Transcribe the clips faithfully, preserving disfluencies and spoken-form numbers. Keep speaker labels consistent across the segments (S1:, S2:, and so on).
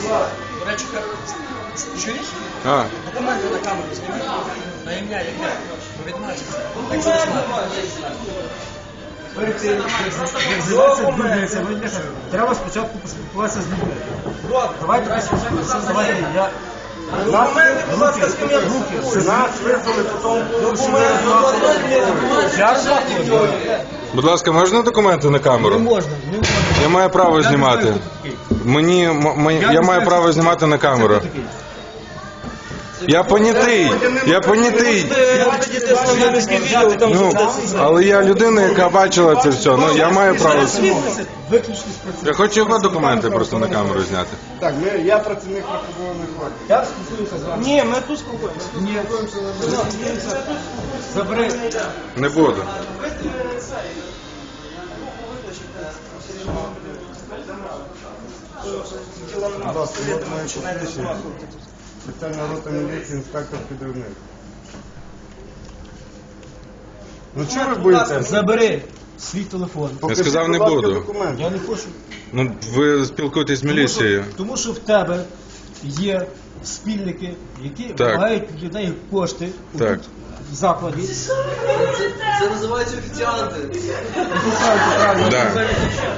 S1: До речі, чуєш?
S2: А.
S1: Документи на камеру знімай. На ім'я, яке? Відмачиться. Якщо не знаєш.
S3: Треба спочатку поспілкуватися з людьми. Давайте поспілкуємося. Давайте я...
S1: Документи, будь ласка, з ким я
S3: Нас визвали по тому,
S2: Будь ласка, можна документи на камеру?
S3: Не можна, не можна.
S2: Я маю право знімати. Мені, м- м- я маю право знімати на камеру. Я понятий, я понятий. Ну, але я людина, яка бачила це все. Ну, я маю право. Я хочу його документи просто на камеру зняти.
S4: Так, ми, я працівник рахункової влади.
S3: Я спілкуюся з вами.
S1: Ні, ми тут спілкуємося.
S3: Ні. Забери.
S2: Не буду.
S4: Будь ласка, от моє посвідчення. Спеціальна рота міліції, інспектор підривник. Ну чого ви боїтеся?
S3: Забери свій телефон.
S2: Я сказав, не буду.
S3: Я не хочу.
S2: Ну, ви спілкуєтесь з міліцією.
S3: Тому що, тому що в тебе є спільники, які
S2: Так.
S3: вимагають від людей кошти
S2: Так.
S3: тут, в закладі.
S5: Це називається офіціанти.
S2: Да.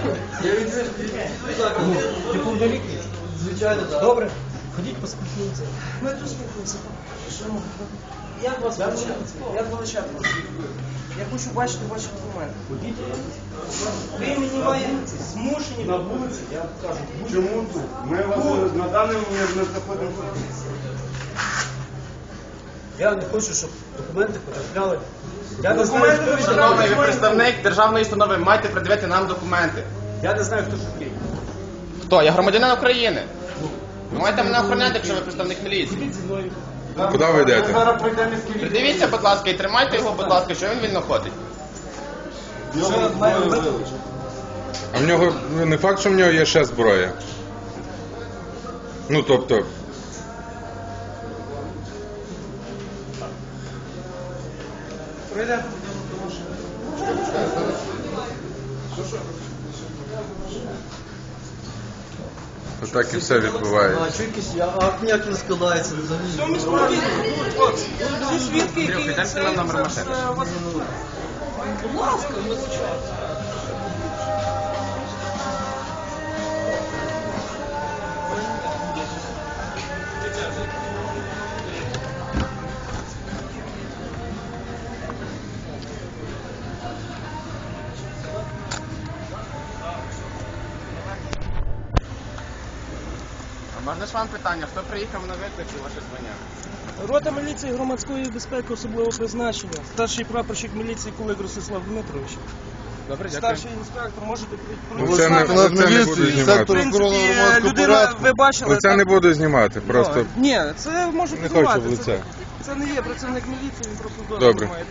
S3: Ну, ти повнолітній?
S5: Звичайно, так.
S3: Добре? Ходіть поспілкуємося.
S1: Ми тут спілкуємося. Як вас величати? Як величати вас? Я хочу бачити ваші документи.
S3: Ходіть.
S1: Ви мені маєте змушені на вулиці, я вам кажу.
S4: Чому тут? Ми вас на даний момент не знаходимося.
S3: Я не хочу, щоб документи потрапляли. Я не знаю,
S1: Документи
S3: хто
S1: ви
S6: Шановний, ви
S1: маєте.
S6: представник державної установи, маєте придивити нам документи.
S3: Я не знаю, хто такий.
S6: Хто? Я громадянин України. Ви маєте мене охороняти, якщо ви представник міліції.
S3: Ходіть зі мною.
S2: Куди ви йдете?
S4: Зараз пройдемо з кількістю.
S6: Придивіться, будь ласка, і тримайте його, будь ласка, що він вільно ходить.
S3: Що я маю робити?
S2: А в нього ну, не факт, що в нього є ще зброя. Ну, тобто.
S1: Пройдемо.
S2: Отак і все відбувається.
S5: А що якийсь акт ніяк не складається взагалі?
S1: Все міського відділу. Хлопці, всі свідки,
S6: Андрюх,
S1: які
S6: йдемо
S1: це,
S6: нам номер
S1: це
S6: машини.
S1: все вас... Будь ласка, ми звичайно.
S6: А можна ж вам питання, хто приїхав на виклик і ваше звання?
S1: Рота міліції громадської безпеки особливого призначення. Старший прапорщик міліції Кулик Ростислав Дмитрович.
S6: Добре, дякую.
S1: Старший інспектор, можете
S2: Ну,
S1: прийти.
S2: це не, це не буду знімати.
S1: В принципі, людина, ви бачили...
S2: Ну, це не буду знімати, просто
S1: Ні, це можете
S2: не
S1: знімати.
S2: хочу в лице.
S1: Це, це не є працівник міліції, він просто
S2: Добре.
S1: дозвіл має.